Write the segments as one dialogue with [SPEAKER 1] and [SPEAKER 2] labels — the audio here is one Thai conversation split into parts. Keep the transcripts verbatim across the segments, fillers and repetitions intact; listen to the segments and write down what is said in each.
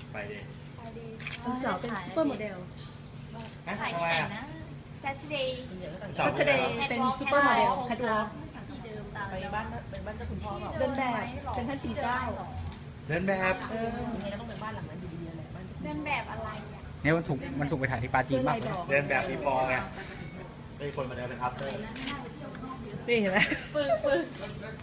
[SPEAKER 1] ไปดิ
[SPEAKER 2] วันเสาร์เป็นซูเปอร์โมเดล
[SPEAKER 3] ถ่ายที่ไหนนะ Saturday
[SPEAKER 2] ซัตเทเดย์เป็นซูเปอร์โมเดลแคทวอล์ก
[SPEAKER 3] ที่เดิมตาม
[SPEAKER 4] ไปบ้านไปบ้านเจ้าคุณพ่อเปล่า
[SPEAKER 2] เดินแบบเป็นท่านปีเก้า
[SPEAKER 1] เดินแบบ
[SPEAKER 2] เออ
[SPEAKER 4] ยังไงก็ต้องไปบ้านหลังนั้นอยู่ดีแหละบ้าน
[SPEAKER 3] เดินแบบอะไรอ่ะ
[SPEAKER 5] เนี่ยมันถูกมันถูกไปถ่ายที่ปาจี
[SPEAKER 2] เดิ
[SPEAKER 5] น
[SPEAKER 2] น
[SPEAKER 5] บ้า
[SPEAKER 2] ลาง ยดอก
[SPEAKER 1] เดินแบบมีฟอร์ไงไม่มีคนมาเดินเป็นอัพเตอร์
[SPEAKER 2] นี่เห็นไหม
[SPEAKER 3] ปึกปึก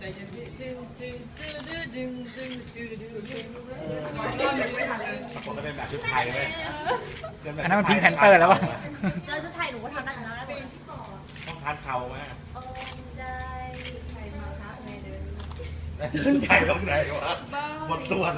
[SPEAKER 1] บางคนก็เป็นแบบชุดไทยเลยเดิแบบ
[SPEAKER 5] อันนั้นมันพิงค์แพนเตอร์แล้ววะ
[SPEAKER 3] เจอชุดไทยหนูก็ทำได้เหมือนกันแล้ว
[SPEAKER 1] ต้องทานเข่าไหม
[SPEAKER 3] โอ้ได้ใครมาคะในเดิน
[SPEAKER 1] เดินใหญ่ตรงไหนวะหมดส่วน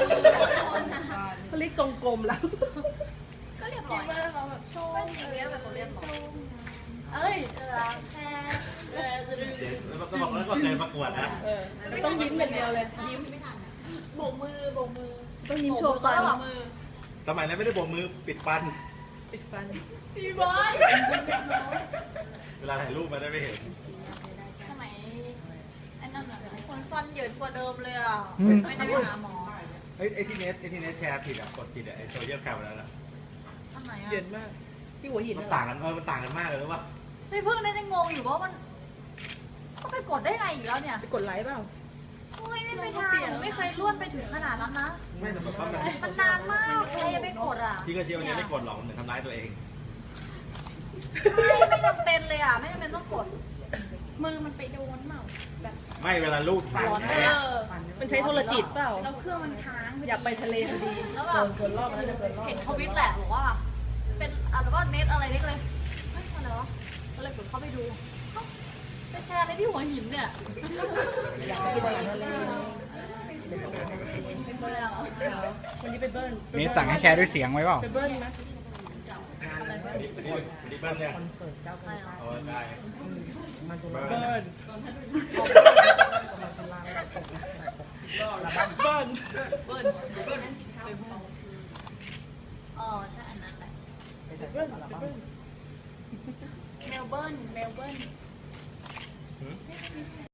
[SPEAKER 2] เขาเรียกกลมๆแล้ว
[SPEAKER 3] ก็เรียบร้อยเขาแบบโชว์จริงๆแบบเขาเรียบร้อยเอ้ยรักแค่เออจะดู
[SPEAKER 1] เดี๋ยวต้องบอกแล้วก็เคยประกวดนะ
[SPEAKER 2] เออต้องยิ้มอย่างเดียวเลย ยิ้ม
[SPEAKER 3] โบกมือโบกมือ
[SPEAKER 2] ต้องยิ้มโชว์ฟัน
[SPEAKER 3] โบกมือ
[SPEAKER 1] สมัยนั้นไม่ได้โบกมือปิดฟัน
[SPEAKER 2] ปิดฟัน
[SPEAKER 3] พี่บอล
[SPEAKER 1] เวลาถ่ายรูปมาได้ไม่เห็น
[SPEAKER 3] ทำไมไอ้นั่นอ่ะคนฟันเหยินกว่าเดิมเลยอ่ะ
[SPEAKER 5] อืม
[SPEAKER 3] ไม่ได้ไปหาหมอ
[SPEAKER 1] เฮ้ยไอ้ที่เน็ตไอ้ที่เน็ตแชร์ผิดอ่ะกดผิดอ่ะไอ้โซเชียลแคมแล้วนะ
[SPEAKER 3] อันไหนอ่ะ
[SPEAKER 2] เย็นมาก ที่หัวหิน
[SPEAKER 1] มัน
[SPEAKER 2] น่ะ
[SPEAKER 1] ต่างกันเออมันต่างกันมากเลยรู้ป่ะ
[SPEAKER 3] พี่พึ่งน่าจะงงอยู่ว่ามันก็ไปกดได้ไงอีกแล้วเนี่ย
[SPEAKER 2] ไปกดไลค์เปล่า
[SPEAKER 3] โอ้ยไม่ไปทางหนูไม่เคยล้วนไปถึงขนาดนั้นนะ
[SPEAKER 1] ไม่แต่แบบว่ามัน
[SPEAKER 3] มันนานมากใครจะไปกดอ่ะ
[SPEAKER 1] ที่ก็เชียวเนี่ยไม่กดหรอกมันเหมือนทำร้ายตัวเอง
[SPEAKER 3] ไม่ไม่จำเป็นเลยอ่ะไม่จำเป็นต้องกด มือมันไปโดนเปล่าแบบ
[SPEAKER 1] ไม่เวลาลูกถ่าย
[SPEAKER 3] ร้อน
[SPEAKER 1] นะ
[SPEAKER 3] เออ
[SPEAKER 2] มันใช้โทรจิตเปล่า
[SPEAKER 3] แล้วเครื่องมันค้าง
[SPEAKER 2] อยากไปทะเลพอดี
[SPEAKER 3] แล้วแบ
[SPEAKER 2] เกิ
[SPEAKER 3] บ
[SPEAKER 2] นเกินรอบแล้วจะเกินรอบ
[SPEAKER 3] เห็นทวิตแหละบอกว่า เป็นอะไรว่าเน็ตอะไรเน็ตเลยเฮ้ยอะไรวะก็เลยกดเข้าไปดูเอ้าไปแชร์อะไรที่หัวหินเนี่ย
[SPEAKER 2] อยากไปทะเล
[SPEAKER 3] ไม่เลยอ่ะ
[SPEAKER 2] วันนี้ไปเบิ้ล
[SPEAKER 5] มีสั่งให้แชร์ด้วยเสียงไว้เปล่า
[SPEAKER 2] ไปเบิ้ลนะ
[SPEAKER 3] อะไรวะ
[SPEAKER 1] อันนี้อันนี้อันนี้เบิ้ลเนี่ย
[SPEAKER 4] คอนเสิร์ตเจ้าคุณพ่อ
[SPEAKER 1] เอาได้
[SPEAKER 4] มันจะ
[SPEAKER 1] เบิ้
[SPEAKER 4] เบิ้
[SPEAKER 1] ล
[SPEAKER 4] ล
[SPEAKER 2] เบิ้ล
[SPEAKER 4] มันจะลางแบบ
[SPEAKER 2] เบิ้ล
[SPEAKER 3] เบิ้ลอ๋อใช่อันนั้นแหละ
[SPEAKER 2] เบิ้ลเบิ้ล
[SPEAKER 3] เมลเบิร์นเมลเบิร์น